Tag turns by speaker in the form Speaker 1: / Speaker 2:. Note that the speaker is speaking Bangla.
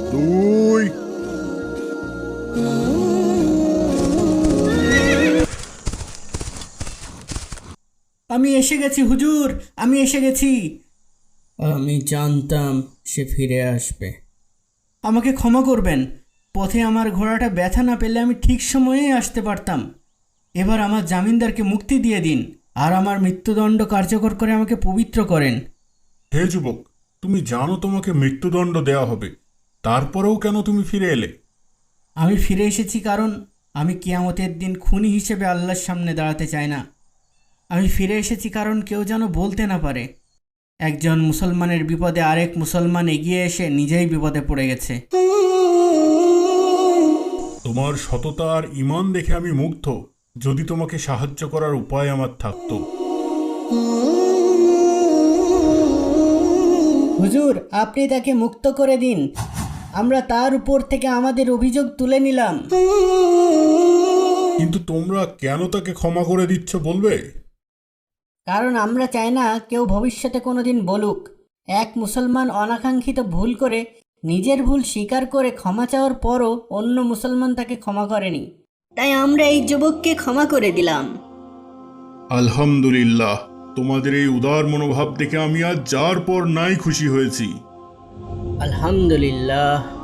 Speaker 1: দুই।
Speaker 2: আমি এসে গেছি হুজুর, আমি এসে গেছি। আমি জানতাম সে ফিরে আসবে। আমাকে ক্ষমা করবেন, পথে আমার ঘোড়াটা ব্যথা না পেলে আমি ঠিক সময়েই আসতে পারতাম। এবার আমার জামিনদারকে মুক্তি দিয়ে দিন, আর আমার মৃত্যুদণ্ড কার্যকর করে আমাকে পবিত্র করেন।
Speaker 1: হে যুবক, তুমি জানো তোমাকে মৃত্যুদণ্ড দেওয়া হবে, তারপরেও কেন তুমি ফিরে এলে?
Speaker 2: আমি ফিরে এসেছি কারণ আমি কিয়ামতের দিন খুনি হিসেবে আল্লাহর সামনে দাঁড়াতে চাই না। আমি ফিরে এসেছি কারণ কেউ যেন বলতে না পারে একজন মুসলমানের বিপদে আরেক মুসলমান এগিয়ে এসে নিজেই বিপদে পড়ে গেছে।
Speaker 1: তোমার সততা আর ঈমান দেখে আমি মুগ্ধ। যদি তোমাকে সাহায্য করার উপায় আমার থাকতো।
Speaker 2: হুজুর, আপনি তাকে মুক্ত করে দিন, আমরা তার উপর থেকে আমাদের অভিযোগ তুলে নিলাম।
Speaker 1: কিন্তু তোমরা কেন তাকে ক্ষমা করে দিচ্ছ বলবে?
Speaker 2: কারণ আমরা চাই না কেউ ভবিষ্যতে কোনোদিন বলুক এক মুসলমান অনাকাঙ্ক্ষিত ভুল করে নিজের ভুল স্বীকার করে ক্ষমা চাওয়ার পরও অন্য মুসলমান তাকে ক্ষমা করেনি। তাই আমরা এই যুবককে ক্ষমা করে দিলাম।
Speaker 1: আলহামদুলিল্লাহ, তোমাদের এই উদার মনোভাব দেখে আমি আজ যার পর নাই খুশি হয়েছি।
Speaker 2: আলহামদুলিল্লাহ।